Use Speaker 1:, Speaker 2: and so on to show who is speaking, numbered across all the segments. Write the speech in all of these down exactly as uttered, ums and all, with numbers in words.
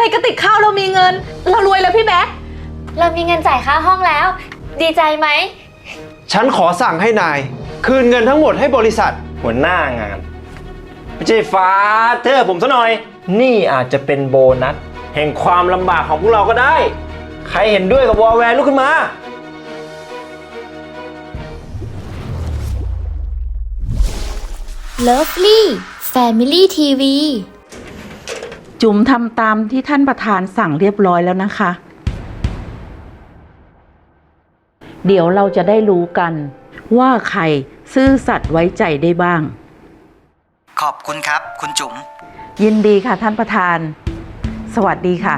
Speaker 1: กระติกข้าวเรามีเงินเรารวยแล้วพี่แบ๊ก
Speaker 2: เรามีเงินจ่ายค่าห้องแล้วดีใจไหม
Speaker 3: ฉันขอสั่งให้นายคืนเงินทั้งหมดให้บริษัท
Speaker 4: หัวหน้างานไม่ใช่ฟ้าเธอผมซะหน่อยนี่อาจจะเป็นโบนัสแห่งความลำบากของพวกเราก็ได้ใครเห็นด้วยกับวอลแวร์ลุกขึ้นมา
Speaker 2: เลิฟลี่แฟมิลี่ทีวี
Speaker 1: จุ๋มทำตามที่ท่านประธานสั่งเรียบร้อยแล้วนะคะเดี๋ยวเราจะได้รู้กันว่าใครซื่อสัตย์ไว้ใจได้บ้าง
Speaker 5: ขอบคุณครับคุณจุ๋ม
Speaker 1: ยินดีค่ะท่านประธานสวัสดีค่ะ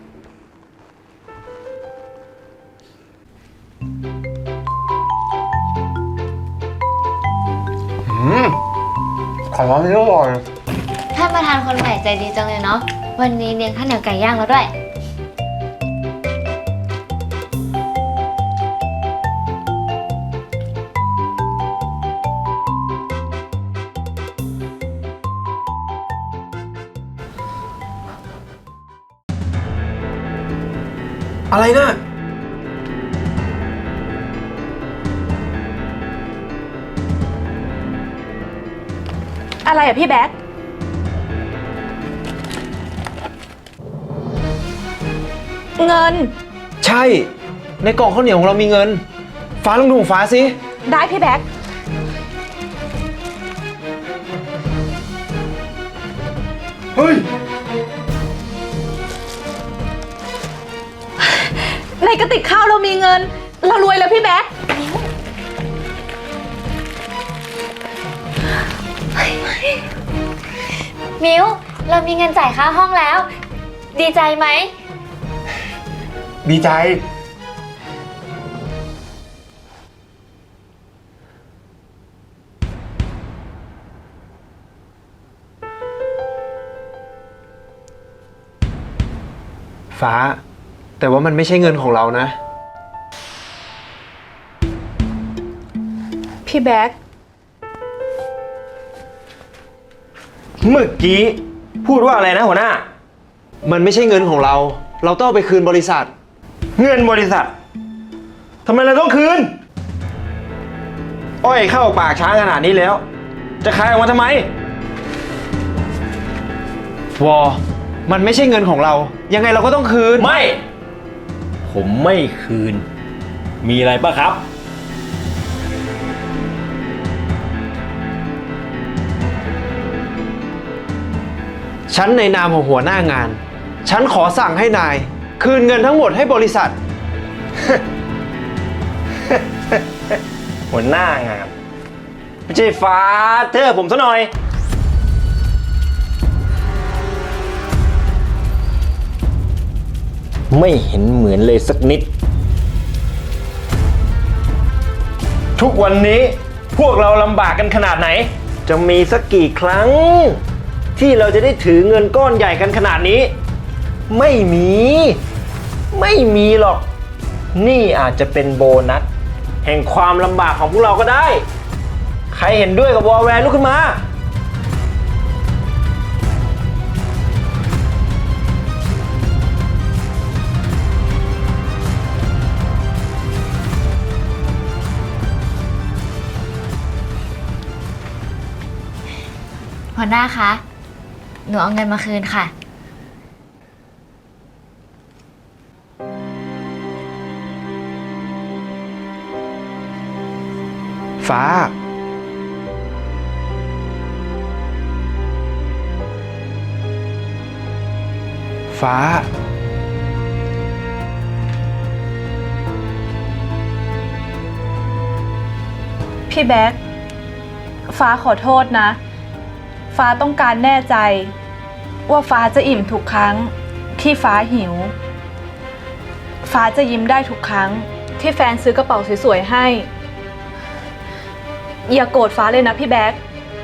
Speaker 3: อืมของร้านนี้อร่อย
Speaker 2: ท่านประธานคนใหม่ใจดีจังเลยเนาะวันนี้เลี้ยงข้าวเหนียวไก่ย่างแล้วด้วย
Speaker 3: อะไรนะ
Speaker 1: อะไรอะพี่แบ๊กเงิน
Speaker 3: ใช่ในกล่องข้าวเหนียวของเรามีเงินฟ้าลองดูของฟ้าสิ
Speaker 1: ได้พี่แบ๊ก
Speaker 3: เฮ้ย
Speaker 1: ในกระติกข้าวเรามีเงินเรารวยแล้วพี่แบ๊ก
Speaker 2: มิวเรามีเงินจ่ายค่าห้องแล้วดีใจไหม
Speaker 3: ดีใจฟ้าแต่ว่ามันไม่ใช่เงินของเรานะ
Speaker 1: พี่แบ๊ก
Speaker 4: เมื่อกี้พูดว่าอะไรนะหัวหน้า
Speaker 3: มันไม่ใช่เงินของเราเราต้องเอาไปคืนบริษัท
Speaker 4: เงินบริษัททำไมเราต้องคืนอ้อยเข้าปากช้างขนาดนี้แล้วจะขายออกมาทำไม
Speaker 3: วอมันไม่ใช่เงินของเรายังไงเราก็ต้องคืน
Speaker 4: ไม่ผมไม่คืนมีอะไรป่ะครับ
Speaker 3: ฉันในนามของหัวหน้างานฉันขอสั่งให้นายคืนเงินทั้งหมดให้บริษัท
Speaker 4: หัวหน้างานไม่ใช่ฟ้าเธอผมซะหน่อยไม่เห็นเหมือนเลยสักนิดทุกวันนี้พวกเราลำบากกันขนาดไหนจะมีสักกี่ครั้งที่เราจะได้ถือเงินก้อนใหญ่กันขนาดนี้ไม่มีไม่มีหรอกนี่อาจจะเป็นโบนัสแห่งความลำบากของพวกเราก็ได้ใครเห็นด้วยกับวอลแวร์ลุกขึ้นมา
Speaker 2: หัวหน้าคะหนูเอาเงินมาคืนค่ะ
Speaker 3: ฟ้าฟ้า
Speaker 1: พี่แบ๊กฟ้าขอโทษนะฟ้าต้องการแน่ใจว่าฟ้าจะอิ่มทุกครั้งที่ฟ้าหิวฟ้าจะยิ้มได้ทุกครั้งที่แฟนซื้อกระเป๋าสวยๆให้อย่าโกรธฟ้าเลยนะพี่แบ๊ก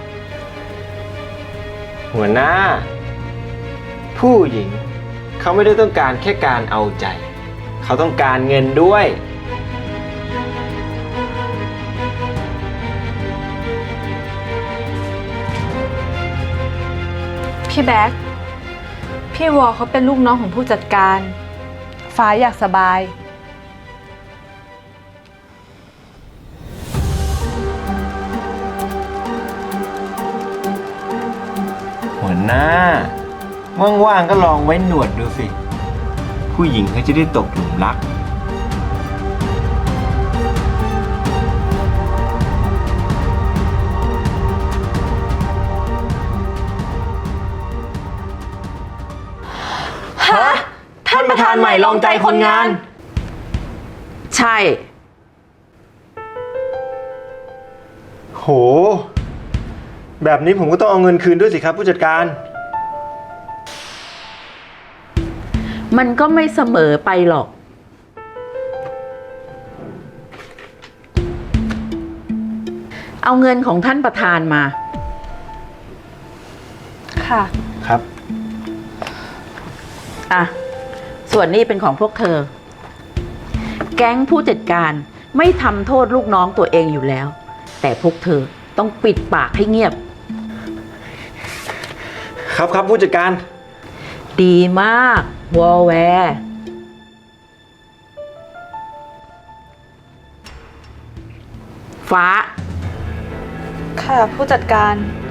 Speaker 4: หัวหน้าผู้หญิงเขาไม่ได้ต้องการแค่การเอาใจเขาต้องการเงินด้วย
Speaker 1: พี่แบ๊กพี่วอเขาเป็นลูกน้องของผู้จัดการ ฟ้าอยากสบาย
Speaker 4: หัวหน้า ว่างๆก็ลองไว้หนวดดูสิ ผู้หญิงเขาจะได้ตกหลุมรัก
Speaker 6: ฮะ ท่านประธานใหม่ลองใจคนงาน ใช่
Speaker 4: โห แบบนี้ผมก็ต้องเอาเงินคืนด้วยสิครับผู้จัดการ
Speaker 6: มันก็ไม่เสมอไปหรอก เอาเงินของท่านประธานมา
Speaker 1: ค่ะ
Speaker 4: ครับ
Speaker 6: อ่ะ ส่วนนี้เป็นของพวกเธอ แก๊งผู้จัดการไม่ทำโทษลูกน้องตัวเองอยู่แล้ว แต่พวกเธอต้องปิดปากให้เงียบ
Speaker 4: ครับครับผู้จัดการ
Speaker 6: ดีมากวอแวร์ฟ้า
Speaker 1: ค่ะผู้จัดการ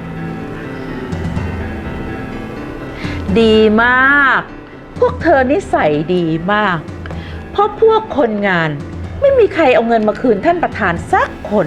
Speaker 6: ดีมาก พวกเธอนิสัยดีมาก เพราะพวกคนงานไม่มีใครเอาเงินมาคืนท่านประธานสักคน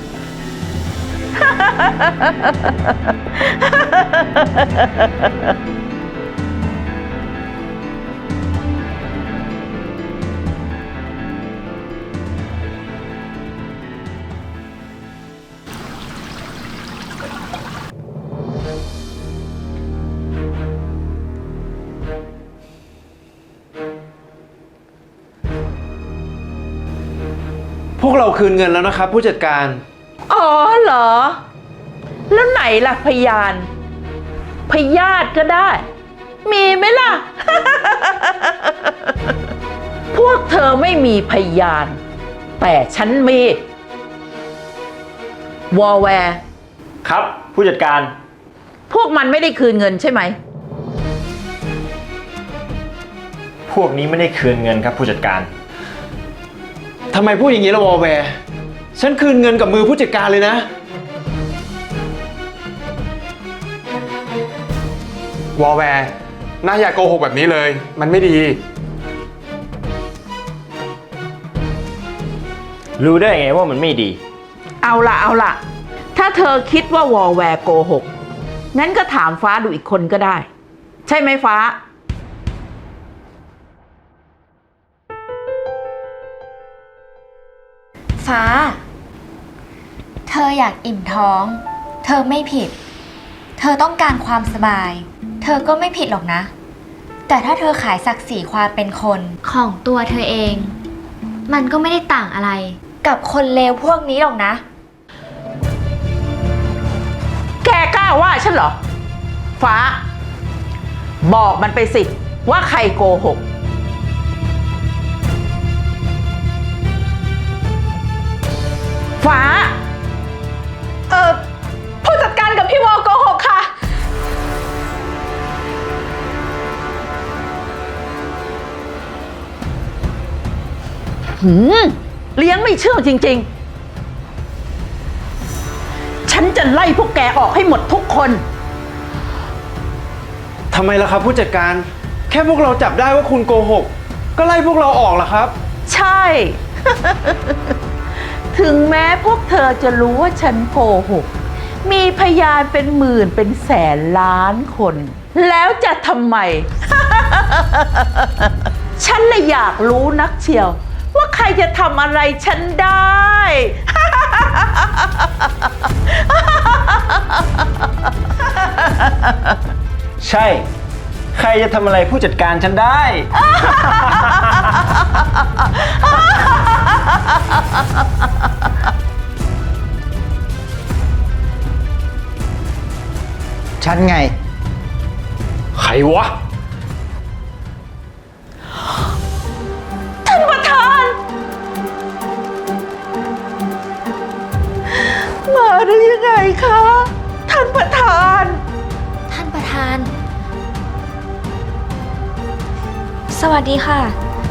Speaker 3: พวกเราคืนเงินแล้วนะครับ ผู้จัดการ
Speaker 6: อ๋อเหรอ แล้วไหนล่ะพยาน พยาธิก็ได้ มีไหมล่ะ พวกเธอไม่มีพยาน แต่ฉันมีวอแวร์
Speaker 4: ครับผู้จัดการ
Speaker 6: พวกมันไม่ได้คืนเงินใช่ไหม
Speaker 4: พวกนี้ไม่ได้คืนเงินครับผู้จัดการ
Speaker 3: ทำไมพูดอย่างนี้ละวอแวร์ฉันคืนเงินกับมือผู้จัดการเลยนะ
Speaker 7: วอลแวร์น่าอย่าโกหกแบบนี้เลย มันไม่ดี
Speaker 4: รู้ได้ไงว่ามันไม่ดี
Speaker 6: เอาล่ะเอาล่ะ ถ้าเธอคิดว่าวอแวร์โกหก งั้นก็ถามฟ้าดูอีกคนก็ได้ ใช่ไหมฟ้า
Speaker 2: ฟ้า เธออยากอิ่มท้อง เธอไม่ผิด เธอต้องการความสบาย เธอก็ไม่ผิดหรอกนะ แต่ถ้าเธอขายศักดิ์ศรีความเป็นคนของตัวเธอเอง มันก็ไม่ได้ต่างอะไร กับคนเลวพวกนี้หรอกนะ
Speaker 6: แกกล้าว่าฉันเหรอ ฟ้า บอกมันไปสิ ว่าใครโกหก ฟ้า
Speaker 1: เออผู้จัดการกับพี่วอโกหกค่ะ
Speaker 6: หืมเลี้ยงไม่เชื่อจริงๆ ฉันจะไล่พวกแกออกให้หมดทุกคน
Speaker 3: ทำไมล่ะครับผู้จัดการ แค่พวกเราจับได้ว่าคุณโกหก ก็ไล่พวกเราออกล่ะครับ
Speaker 6: ใช่ ถึงแม้พวกเธอจะรู้ว่าฉันโกหก มีพยานเป็นหมื่นเป็นแสนล้านคน แล้วจะทำไม ฉันน่ะอยากรู้นักเชียว ว่าใครจะทำอะไรฉันได้
Speaker 4: ใช่ ใครจะทำอะไรผู้จัดการฉันได้
Speaker 5: ฉันไง
Speaker 3: ใครวะ
Speaker 6: ท่านประธาน มาได้ยังไงคะ ท่านประธาน
Speaker 2: ท่านประธานสวัสดีค่ะ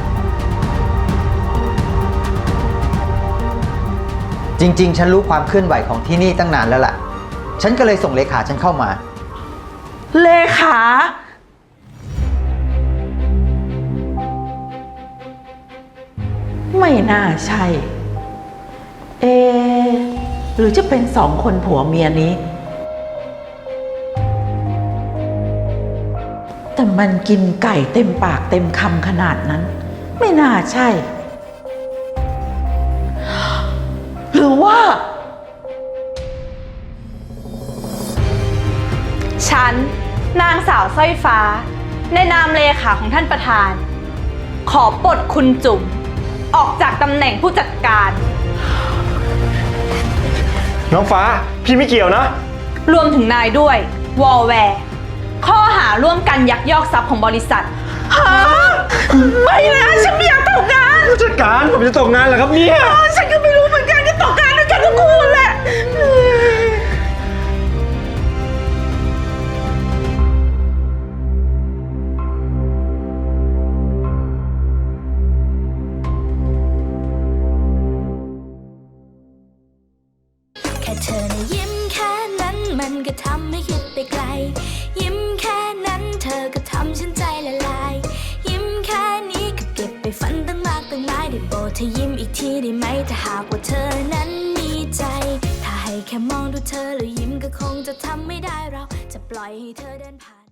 Speaker 8: จริงๆ ฉันรู้ความเคลื่อนไหวของที่นี่ตั้งนานแล้วล่ะ ฉันก็เลยส่งเลขาฉันเข้ามา
Speaker 6: เลขา ไม่น่าใช่ เอะหรือจะเป็นสองคนผัวเมียนี้ แต่มันกินไก่เต็มปากเต็มคำขนาดนั้น ไม่น่าใช่ หรือว่า
Speaker 1: ฉัน นางสาวสร้อยฟ้า ในนามเลขาของท่านประธาน ขอปลดคุณจุ๋มออกจากตำแหน่งผู้จัดการ
Speaker 4: น้องฟ้า พี่ไม่เกี่ยวนะ
Speaker 1: รวมถึงนายด้วย วอลแวร์ ข้อหาร่วมกันยักยอกทรัพย์ของบริษัท
Speaker 6: ไม่นะฉันไม่อยากตกงาน
Speaker 4: ผู้จัดการผมจะตกงานเหรอครับเนี่ย
Speaker 6: ฉันก็ไม่รู้เหมือนกันจะตกงานด้วยกันทุกคนแหละ
Speaker 9: แค่เธอนะยิ้มแค่นั้นมันก็ทำให้คิดไปไกล ยิ้มแค่นั้นเธอก็ทำฉันใจละลาย ยิ้มแค่นี้ก็เก็บไปฝันตั้งมากตั้งหลายได้โปรดเธอยิ้มอีกทีได้ไหมถ้าหากว่าเธอนั้นมีใจ ถ้าให้แค่มองดูเธอแล้วยิ้มก็คงจะทำไม่ได้เราจะปล่อยให้เธอเดินผ่าน